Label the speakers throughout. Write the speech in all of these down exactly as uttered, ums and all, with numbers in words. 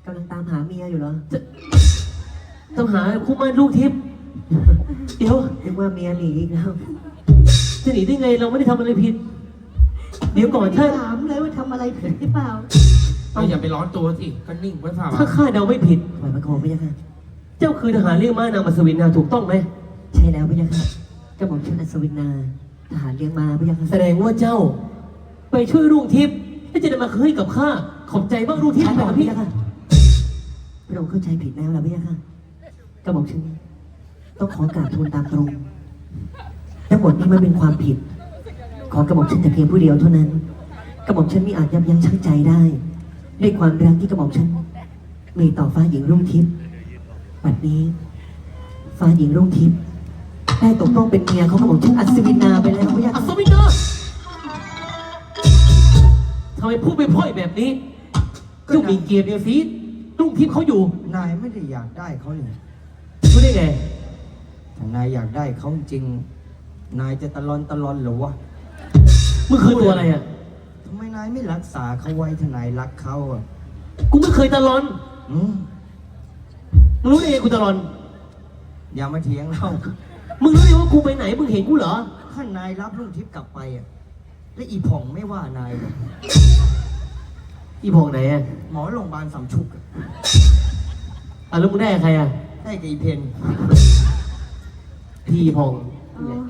Speaker 1: กำลังตามหาเมียอยู่เหรอ
Speaker 2: ต้องหาคู่มั่นลูกทิพย์เดี๋ยว
Speaker 1: นึกว่าเมียหนีอีกแล้ว
Speaker 2: จะหนีได้ไงเราไม่ได้ทำอะไรผิด เดี๋ยวก่อนถ้า
Speaker 3: ถามเลยว่าทำอะไรผิดหรือเปล่า
Speaker 4: เราอย่าไปร้อนตัวสิก็นิ่งไว้ฝ่า
Speaker 2: ถ้าข้าเดาไม่ผิด
Speaker 1: ปล่อยมาโคมพะยะค่ะ
Speaker 2: เจ้าคือทหารเรียกม้านางมัสวินนาถูกต้องไหม
Speaker 1: ใช่แล้วพะยะค่ะกระหม่อมชื่ออัศวินนาทหารเลี้ยงม้าพะยะค่ะ
Speaker 2: แสดงว่าเจ้า ไปช่วยรุ่งทิพย์ที่จะได้มาคืนกับข้าขอบใจบ้างรุ่งทิพย์
Speaker 1: ช้า
Speaker 2: แบ
Speaker 1: ก่อน
Speaker 2: บ
Speaker 1: พะ
Speaker 2: พี่
Speaker 1: ยะค่ะพระองค์เข้าใจผิดแล้วล่ะพะยะค่ะกระหม่อมชื่อต้องขอกราบทูลตามตรงทั้งหมดนี้มันเป็นความผิด ขอกระหม่อมฉันแต่เพียงผู้เดียวเท่านั้น กระหม่อมฉันมิอาจยับยั้งชั่งใจได้ด้วยความรักที่กระหม่อมฉันมีต่อฟ้าหญิงรุ่งทิพย์บัดนี้ ฟ้าหญิงรุ่งทิพย์ได้ตกต้องเป็นเมียของกระหม่อมฉันอัศวินาไปแล้วพะยะ
Speaker 2: อั
Speaker 1: ค่ะ
Speaker 2: ศวินนาทำไมพูดไปพร่อยแบบนี้เจ้ามีเกียรติเดียวสิรุ่งทิพย์เขาอยู่
Speaker 5: นายไม่ได้อยากได้เขาเลย
Speaker 2: รู้ได้ไง
Speaker 5: ถ้านายอยากได้เขาจริง นายจะตะลอนตะลอนเหรือวะ
Speaker 2: มึงคือตัวอะไรอ่ะ
Speaker 5: ทำไมนายไม่รักษาเขาไว้ถ้านายรักเขาอ่ะ
Speaker 2: กูไม่เคยตะลอน
Speaker 5: อืม
Speaker 2: มึงรู้ได้ไงกูตะลอน
Speaker 5: อย่ามาเถียงเรา
Speaker 2: มึงรู้ได้ว่ากูไปไหน มึงเห็นกูเหรอ
Speaker 5: ถ้านายรับลุงทิพย์กลับไปอ่ะ และอีผ่องไม่ว่านายหรอก
Speaker 2: อีพองไหนอ่ะ
Speaker 5: หมอโรงพยาบาลสามชุกอะ
Speaker 2: อ่ะแล้วมึงได้กับใครอ่ะ
Speaker 5: ได้กับอีเพน
Speaker 2: พี่พอง
Speaker 3: อ๋อ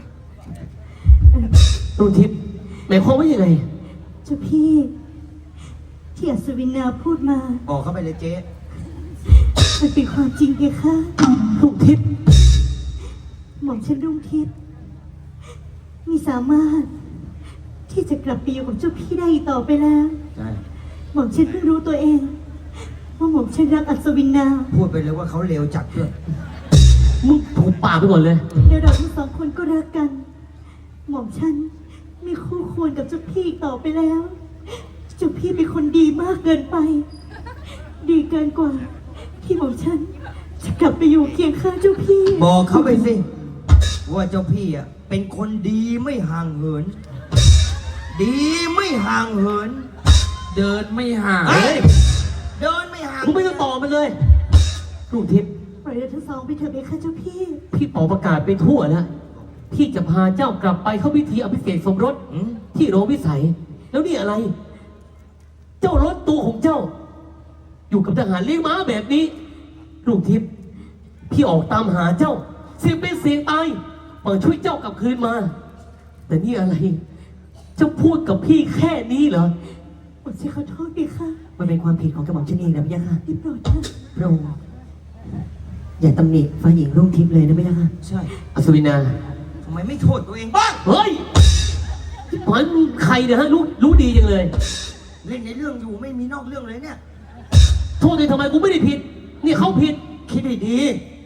Speaker 2: รุ่งทิพย์หมายความว่ายังไง
Speaker 3: เจ้าพี่ที่อัศวินนาพูดมา
Speaker 5: บอกเขาไปเลยเจ๊
Speaker 3: มันเป็นความจริงเพคะ
Speaker 2: รุ่งทิพย์
Speaker 3: หม่อมฉันรุ่งทิพย์มีสามารถ ที่จะกลับไปอยู่กับเจ้าพี่ได้อีกต่อไปแล้ว
Speaker 5: ใช่
Speaker 3: หม่อมฉันเพิ่งรู้ตัวเองว่าหม่อมฉันรักอัศวินนา
Speaker 5: พูดไปเลยว่าเขาเลวจัดด้วย
Speaker 2: มึงถูกปากไปก่อนเลย
Speaker 3: เดี๋ยวเราทั้งสองคนก็รักกัน หม่อมฉันไม่คู่ควรกับเจ้าพี่อีกต่อไปแล้ว เจ้าพี่เป็นคนดีมากเกินไป ดีเกินกว่า ที่หม่อมฉันจะกลับไปอยู่เคียงข้างเจ้าพี่
Speaker 5: บอกเขาไปสิ ว่าเจ้าพี่อ่ะเป็นคนดีไม่ห่างเหิน ดีไม่ห่างเหิน
Speaker 4: เดินไม่ห่าง
Speaker 5: เฮ้ย เดินไม่ห่าง
Speaker 2: มึงไม่ต้องต่อมันเลย รุ่งทิพย์
Speaker 3: ปล่อยเราทั้งสองไปเถอะเพคะเจ้าพี่
Speaker 2: พี่เป่าประกาศไปทั่วแล้ว พี่จะพาเจ้ากลับไปเข้าพิธีอภิเษกสมรส
Speaker 5: อืม
Speaker 2: ที่โรงวิสัย แล้วนี่อะไร เจ้ารถตัวของเจ้า อยู่กับทหารเลี้ยงม้าแบบนี้รุ่งทิพย์พี่ออกตามหาเจ้า เสียงเป็นเสียงตายเปิดช่วยเจ้ากลับคืนมา แต่นี่อะไร เจ้าพูดกับพี่แค่นี้เหรอ
Speaker 3: หม่อมฉันขอโทษเพคะ
Speaker 1: มันเป็นความผิดของกระหม่อมฉันเองนะพะยะค่ะ
Speaker 3: ได้โปรดเถอะ
Speaker 1: พระองค์อย่าตำหนิฟ้าหญิงรุ่งทิพย์เลยนะพะยะค่ะ
Speaker 5: ใช่
Speaker 2: อัศวินา
Speaker 5: ทำไมไม่โทษตัวเองบ้าง
Speaker 2: เฮ้ยที่ผ่านมึงใครเนี่ยฮะรู้รู้ดีจังเลย
Speaker 5: เล่นในเรื่องอยู่ไม่มีนอกเรื่องเลยเนี่ย
Speaker 2: โทษเลยทำไมกูไม่ได้ผิด นี่เขาผิด
Speaker 5: คิดให้ดี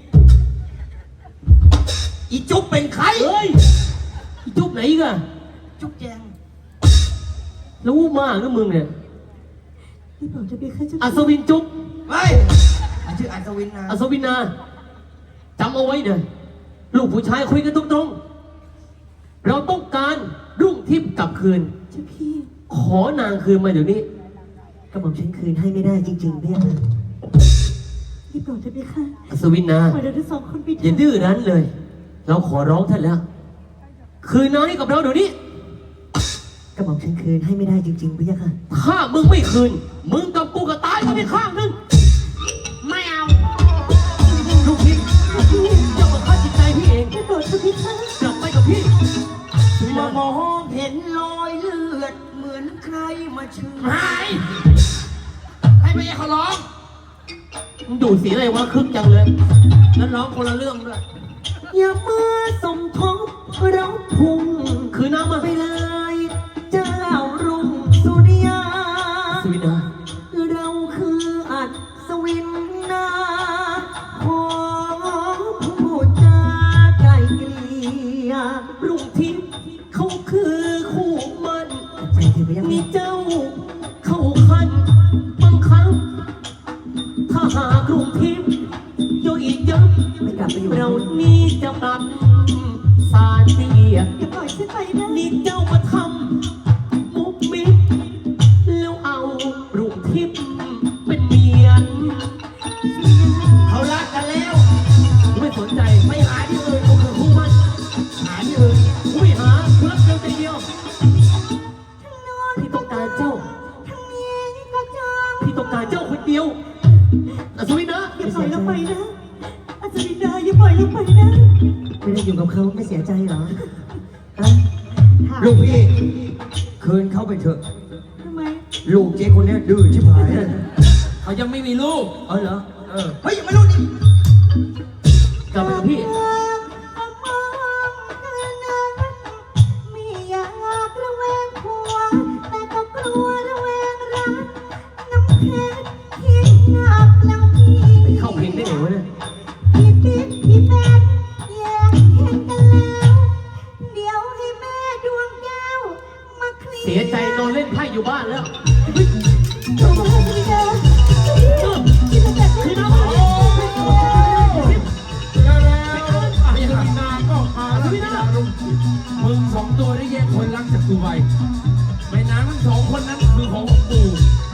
Speaker 5: อีจุ๊บเป็นใคร
Speaker 2: เฮ้ยอีจุ๊บไหนอีกอะ
Speaker 5: จุ๊บแจง
Speaker 2: รู้มากนะมึงเนี่ย
Speaker 3: ได้โปรดเถอะเพคะเจ้า
Speaker 2: อัศ
Speaker 3: พี่
Speaker 2: วินจุ๊บ
Speaker 5: เฮ้ยมันชื่ออัศวินนะ
Speaker 2: อัศวินาจำเอาไว้นะลูกผู้ชายคุยกันตรงๆ เราต้องการรุ่งทิพย์กลับคืน
Speaker 3: เจ้าพี่
Speaker 2: ขอนางคืนมาเดี๋ยวนี้
Speaker 1: กระหม่อมฉันคืนให้ไม่ได้จริงๆพะยะค่ะ
Speaker 3: ได้โปรดเถอะเพคะ
Speaker 2: อัศวินา
Speaker 3: ปล่อยเราทั้งสองคนไปเถ
Speaker 2: อย่า
Speaker 3: อะ
Speaker 2: ดื้อรั้นเลย เราขอร้องท่านแล้ว คืนนางให้กับเราเดี๋ยวนี้
Speaker 1: กระหม่อมฉันคืนให้ไม่ได้จริงๆพะยะค่ะ
Speaker 2: ถ้ามึงไม่คืน มึงกับกูก็ตายกันไปข้างหนึง
Speaker 4: ไม่เอา
Speaker 2: ลูกทิพย์เจ้ามาฆ่าจิตใจพี่เอง
Speaker 3: ได้โปรดเถอะเพคะ
Speaker 2: กลับไปกับพี่
Speaker 5: มามองเห็นรอยเลือดเหมือนใครมาเชื่อ
Speaker 4: หาย ให้ไปเขาร้อง
Speaker 2: มึงดูดสีอะไรวะคึกจังเลย
Speaker 4: แล้วร้องคนละเรื่องด้วย
Speaker 1: อย่ามาสมทบเราพุ่ง
Speaker 2: คือน้ำมา
Speaker 1: ไปเลย เจ้ารุ่งสุริยา
Speaker 2: สวินา
Speaker 1: เราคืออัศวินนาขอพูดจาไกลเกลี่ย
Speaker 2: รุ่งทิพย์เขาคือคู่มัน
Speaker 1: ใจถึงพะยะ
Speaker 2: มี
Speaker 1: ค่ะ
Speaker 2: เจ้าเข้าคันบังคับถ้าหากรุ่งทิพย์โยอีกยับ
Speaker 1: ไม่กลับไปอยู่
Speaker 2: เรานี้จะปรับสารเสีย
Speaker 3: อย่าปล่อยฉันไปนะ
Speaker 2: นี่เจ้ามาทำมุกมิดแล้วเอารุ่งทิพย์เป็นเมียดียวอัศวินนะ
Speaker 3: อย่าปล่อยเราไปนะอาจารย์ดาอย่าปล่อยเราไปนะ
Speaker 1: ไม่ได้อยู่กับเขาไม่เสียใจเหรอฮะ
Speaker 5: ลูกพี่คืนเข้าไปเถอะ
Speaker 3: ทำไม
Speaker 5: ลูกเจ๊คนเนี้ยดื้อชิบหาย
Speaker 4: เขายังไม่มีลูก
Speaker 5: เออเหรอ
Speaker 4: เออ
Speaker 5: เฮ้ยยังไม่รู้นี่
Speaker 2: กลับไปกับพี่
Speaker 3: ไม่อยากระแวงผัวแต่ก็กลัวระแวงรักน้ำเพชรคิดหนักแล้วพี่
Speaker 2: ไปเข้าเพลงได้ไงวะเนี่ย
Speaker 3: พี่ปิ๊กพี่แป๊กแยกเห็นกันแล้ว เดี๋ยวให้แม่ดวงแก้วมาเคลียร์
Speaker 2: เสียใจนอนเล่นไพ่อยู่บ้านแล้ว
Speaker 3: โทรมาให้พี่เด้อพี่จะจัดให้น้อง
Speaker 4: แล้วแล้วอาจารย์นาก็มาแล้วพี่ดารุงมึงสองตัวได้แยกคนรักจากกูไปแม่นางทั้งสองคนนั้นคือของปู่